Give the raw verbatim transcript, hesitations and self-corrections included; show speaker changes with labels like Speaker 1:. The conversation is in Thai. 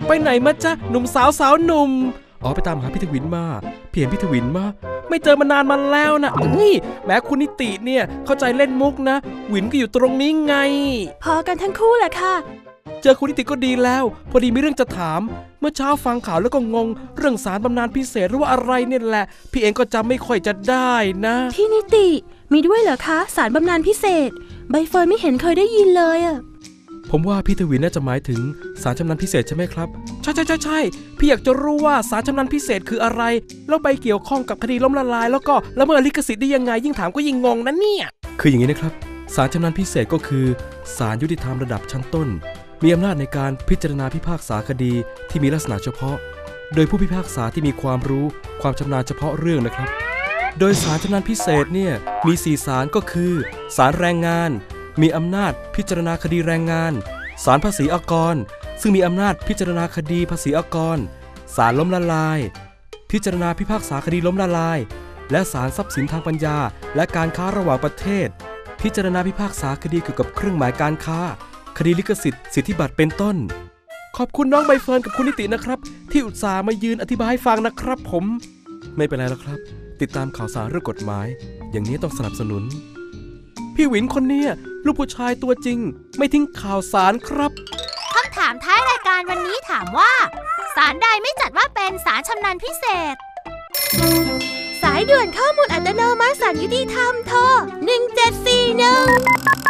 Speaker 1: ไปไหนมาจ๊ะหนุ่มสาวสาวหนุ่มอ๋อไปตามหาพี่ทวินมาพี่เห็นพี่ทวินมาไม่เจอมานานมาแล้วนะนี่แม้คุณนิติเนี่ยเข้าใจเล่นมุกนะหวินก็อยู่ตรงนี้ไง
Speaker 2: พอกันทั้งคู่แหละค่ะ
Speaker 1: เจอคุณนิติก็ดีแล้วพอดีมีเรื่องจะถามเมื่อเช้าฟังข่าวแล้วก็งงเรื่องสารบำนาญพิเศษหรือว่าอะไรเนี่ยแหละพี่เองก็จำไม่ค่อยจะได้นะ
Speaker 2: พี่นิติมีด้วยเหรอคะสารบำนาญพิเศษใบเฟิร์นไม่เห็นเคยได้ยินเลยอะ
Speaker 1: ผมว่าพี่ทวินน่าจะหมายถึงสารชำนาญพิเศษใช่ไหมครับใช่ใช่ใช่ใช่พี่อยากจะรู้ว่าสารชำนาญพิเศษคืออะไรแล้วไปเกี่ยวข้องกับคดีล้มละลายแล้วก็ละเมิดลิขสิทธิ์ได้ยังไงยิ่งถามก็ยิ่งงงนะเนี่ยคืออย่างนี้นะครับสารชำนาญพิเศษก็คือศาลยุติธรรมระดับชั้นต้นมีอำนาจในการพิจารณาพิพากษาคดีที่มีลักษณะเฉพาะโดยผู้พิพากษาที่มีความรู้ความชำนาญเฉพาะเรื่องนะครับโดยศาลชำนาญพิเศษเนี่ยมีสี่ศาลก็คือศาลแรงงานมีอำนาจพิจารณาคดีแรงงานศาลภาษีอากรซึ่งมีอำนาจพิจารณาคดีภาษีอากรศาลล้มละลายพิจารณาพิพากษาคดีล้มละลายและศาลทรัพย์สินทางปัญญาและการค้าระหว่างประเทศพิจารณาพิพากษาคดีเกี่ยวกับเครื่องหมายการค้าคดีลิขสิทธิ์สิทธิบัตรเป็นต้นขอบคุณน้องใบเฟิร์นกับคุณนิตินะครับที่อุตส่าห์มายืนอธิบายให้ฟังนะครับผมไม่เป็นไรแล้วครับติดตามข่าวสารเรื่องกฎหมายอย่างนี้ต้องสนับสนุนพี่หวินคนนี้ลูกผู้ชายตัวจริงไม่ทิ้งข่าวสารครับ
Speaker 3: คำถามท้ายรายการวันนี้ถามว่าศาลใดไม่จัดว่าเป็นศาลชำนาญพิเศษ
Speaker 2: สายด่วนข้อมูลอัตโนมัติศาลยุติธรรมโทรหนึ่งเจ็ดสี่หนึ่ง